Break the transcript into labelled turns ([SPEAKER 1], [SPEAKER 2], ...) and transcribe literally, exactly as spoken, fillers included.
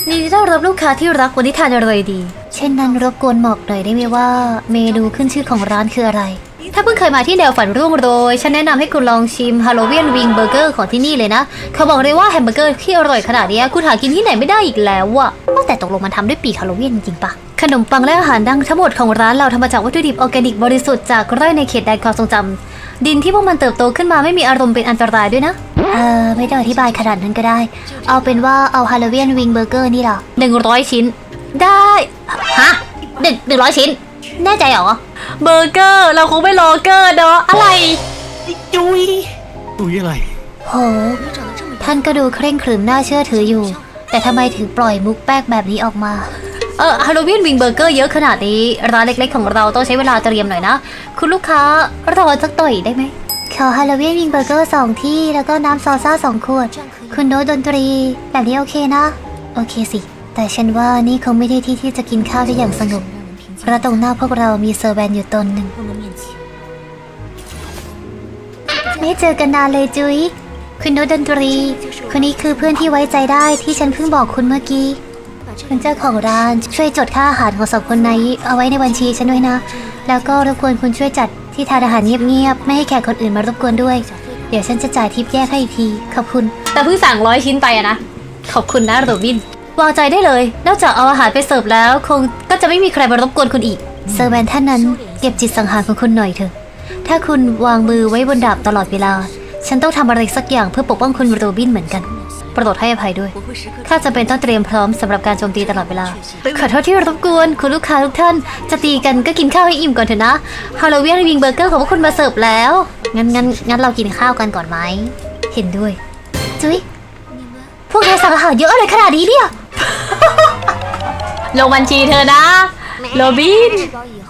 [SPEAKER 1] นี่ต้อนรับลูกค้าที่รักวันนี้ทานอร่อยดีเช่นนั้นรบกวนบอกหน่อยได้ไหมว่าเมนูขึ้นชื่อของร้านคืออะไรถ้าเพิ่งเคยมาที่แนวฝันร่วงโรยฉันแนะนำให้คุณลองชิมฮาโลวีนวิงเบอร์เกอร์ของที่นี่เลยนะเขาบอกเลยว่าแฮมเบอร์เกอร์ที่อร่อยขนาดนี้คุณหากินที่ไหนไม่ได้อีกแล้วอะแต่ตกลงมันทำด้วยปีกฮาโลวีนจริงปะขนมปังและอาหารดังทั้งหมดของร้านเราทำมาจากวัตถุดิบออร์แกนิกบริสุทธิ์จากไร่ในเขตแดนความทรงจำดินที่พวกมันเติบโตขึ้นมาไม่มีอารมณ์เป็นอันตรายด้วยนะเออไม่ต้องอธิบายขนาดนั้นก็ได้เอาเป็นว่าเอาฮาโลวีนวิงเบอร์เกอร์นี่หรอหนึ่งร้อยชิ้นได้ฮะหนึ่งหนึ่งร้อยชิ้นแน่ใจเหรอเบอร์เกอร์เราคงไม่รอเกอร์เนาะอะไร
[SPEAKER 2] จุยจุยอะไร
[SPEAKER 1] โหท่านก็ดูเคร่งขรึมน่าเชื่อถืออยู่แต่ทำไมถึงปล่อยมุกแป๊กแบบนี้ออกมาเออฮาโลวีนวิงเบอร์เกอร์เยอะขนาดนี้ร้านเล็กๆของเราต้องใช้เวลาเตรียมหน่อยนะคุณลูกค้ารอสักต่อยได้ไหมขอฮาโลวีนวิงเบอร์เกอร์สองที่แล้วก็น้ำซอซ่าสองขวดคุณโน้ตดนตรีแบบนี้โอเคนะโอเคสิแต่ฉันว่านี่คงไม่ได้ที่ที่จะกินข้าวได้อย่างสงบเพราะตรงหน้าพวกเรามีเซอร์แวนอยู่ตนหนึ่งไม่เจอกันนานเลยจุ๊ยคุณโน้ตดนตรีคนนี้คือเพื่อนที่ไว้ใจได้ที่ฉันเพิ่งบอกคุณเมื่อกี้คุณเจ้าของร้านช่วยจดค่าอาหารของสองคนนี้เอาไว้ในบัญชีฉันด้วยนะแล้วก็รบกวนคุณช่วยจัดที่ทานอาหารเงียบๆไม่ให้แขกคนอื่นมารบกวนด้วยเดี๋ยวฉันจะจ่ายทิปแยกให้อีกทีขอบคุณแต่เพิ่งสั่งร้อยชิ้นไปอะนะขอบคุณนะโรบินวางใจได้เลยนอกจากเอาอาหารไปเสิร์ฟแล้วคงก็จะไม่มีใครมารบกวนคุณอีกเซอร์แวนท่านนั้นเก็บจิตสังหารของคุณหน่อยเถอะถ้าคุณวางมือไว้บนดาบตลอดเวลาฉันต้องทำอะไรสักอย่างเพื่อปกป้องคุณโรบินเหมือนกันโปรดให้อภัยด้วยข้าจำเป็นต้องเตรียมพร้อมสำหรับการโจมตีตลอดเวลาขอโทษที่รบกวนคุณลูกค้าทุกท่านจะตีกันก็กินข้าวให้อิ่มก่อนเถอะนะฮาโลวีนวิงเบอร์เกอร์ของพวกคุณมาเสิร์ฟแล้วงั้นงั้นงั้นเรากินข้าวกันก่อนไหมเห็นด้วยจุ๊ยพวกเธอสั่งอาหารเยอะอะไรขนาดนี้เนี่ยลงบัญชีเธอนะโรบิน